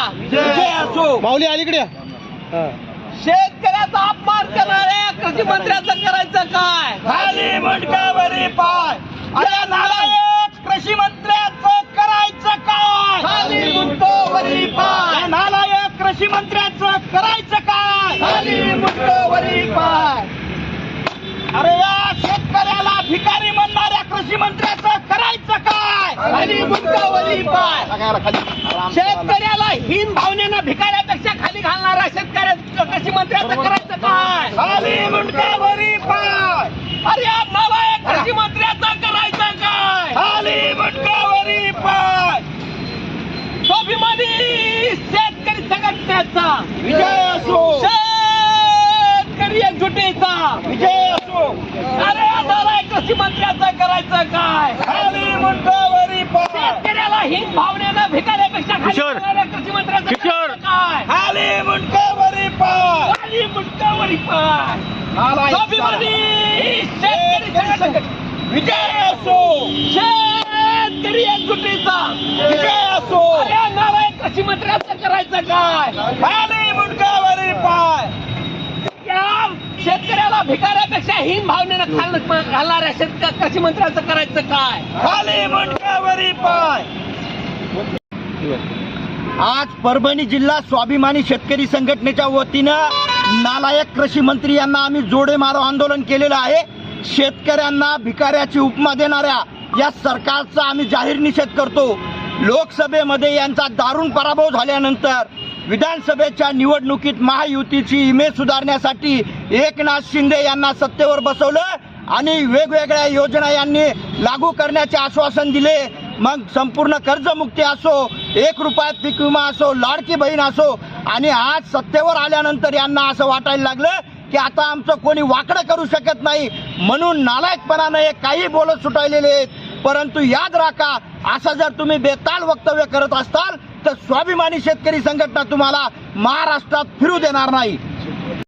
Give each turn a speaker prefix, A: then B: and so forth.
A: विजय असो.
B: माऊली अलीकडे
A: शेतकऱ्याचा अपमान करणाऱ्या कृषी मंत्र्याचं करायचं काय? खाली मुंडकावरी पाय. अरे नालायक कृषी मंत्र्याचं करायचं काय? खाली मुंडकावरी पाय. नालायक कृषी मंत्र्याचं करायचं काय? खाली मुंडकावरी पाय. अरे या शेतकऱ्याला भिकारी म्हणणाऱ्या कृषी मंत्र्याचं करायचं काय? खाली मुंडकावरी पाय. शेतकऱ्याला हीन भावनेनं भिकाऱ्यापेक्षा खाली घालणारा शेतकऱ्या कृषी मंत्र्याचं करायचं काय? खाली मुंडकावरी पाय. अरे या नालायक कृषी मंत्र्याचं करायचं काय? खाली मुंडकावरी पाय. स्वाभिमानी शेतकरी संघटनेचा विजय असो. शेतकरी एकजुटीचा विजय असो. अरे या नालायक कृषी मंत्र्याचं करायचं काय? खाली मुंडकावरी पाय. शेतकऱ्याला हीन भावनेनं भिकाऱ्यापेक्षा खाली घालणाऱ्या कृषी मंत्र्याचं करायचं काय? खाली मुंडकावरी पाय. खाली मुंडकावरी पाय. स्वाभिमानी शेतकरी संघटना विजय असो. शेतकरी एकजुटीचा विजय असो. अरे नालायक कृषी मंत्र्याचं करायचं काय? खाली मुंडकावरी पाय. या शेतकऱ्याला भिकाऱ्यापेक्षा हीन भावनेनं घालणाऱ्या कृषी मंत्र्याचं करायचं काय? खाली मुंडकावरी पाय. आज परभणी जिल्हा स्वाभिमानी शेतकरी संघटनेच्या वतीनं नालायक कृषी मंत्री यांना आम्ही जोडे मारो आंदोलन केलेलं आहे. शेतकऱ्यांना भिकाऱ्याची उपमा देणाऱ्या या सरकारचा आम्ही जाहीर निषेध करतो. लोकसभेमध्ये यांचा दारुण पराभव झाल्यानंतर विधानसभेच्या निवडणुकीत महायुतीची इमेज सुधारण्यासाठी एकनाथ शिंदे यांना सत्तेवर बसवलं आणि वेगवेगळ्या योजना यांनी लागू करण्याचे आश्वासन दिले. मग संपूर्ण कर्जमुक्ती असो, 1 रुपयात पीक विमा असो, लाडकी बहीण असो, आणि आज सत्तेवर आल्यानंतर यांना असं वाटायला लागलं की आता आमचं कोणी वाकडं करू शकत नाही, म्हणून नालायकपणानं हे काही बोलत सुटायलेले आहेत. परंतु याद राखा, असं जर तुम्ही बेताल वक्तव्य करत असताल तर स्वाभिमानी शेतकरी संघटना तुम्हाला महाराष्ट्रात फिरू देणार नाही.